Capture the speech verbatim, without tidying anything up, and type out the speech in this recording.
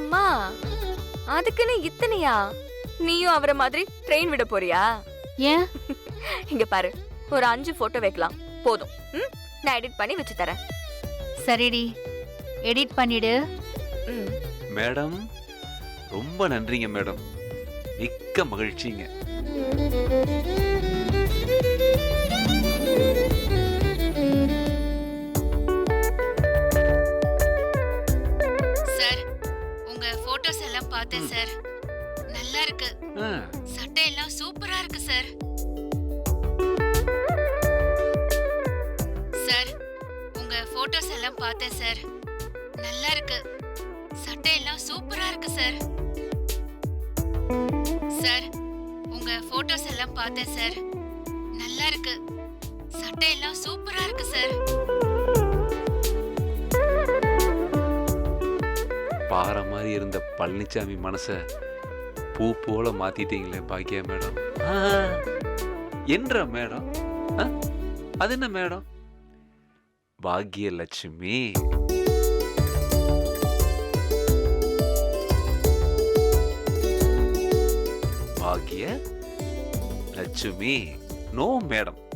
அம்மா, அதுக்குன்னு இத்தனையா? நீயும் அவரை மாதிரி ட்ரெயின் விட போறியா? ஏன்? இங்க பாரு, ஒரு அஞ்சு போட்டோ வைக்கலாம் போதும். ம், நான் எடிட் பண்ணி வச்சு தரேன். சரிடி, எடிட் பண்ணிடு. ம். மேடம் ரொம்ப நன்றிங்க மேடம், மிக்க மகிழ்ச்சிங்க. சார், உங்க போட்டோஸ் எல்லாம் பார்த்தேன் சார். நல்லா இருக்கு. ஆ, சட்டை எல்லாம் சூப்பரா இருக்கு சார். சார், உங்க போட்டோஸ் எல்லாம் பார்த்தேன் சார். நல்லா இருக்கு. சட்டை எல்லாம் சூப்பரா இருக்கு சார். சார், உங்க போட்டோஸ் எல்லாம் பார்த்தேன் சார். நல்லா இருக்கு. சட்டை எல்லாம் சூப்பரா இருக்கு சார். பாறை மாதிரி இருந்த பழனிசாமி மனச பூ போல மாத்திட்டீங்களே பாக்கியா மேடம். ஆ, என்ற மேடம்? ஆ, அது என்ன மேடம்? பாக்யலட்சுமி. பாக்ய லட்சுமி. No madam.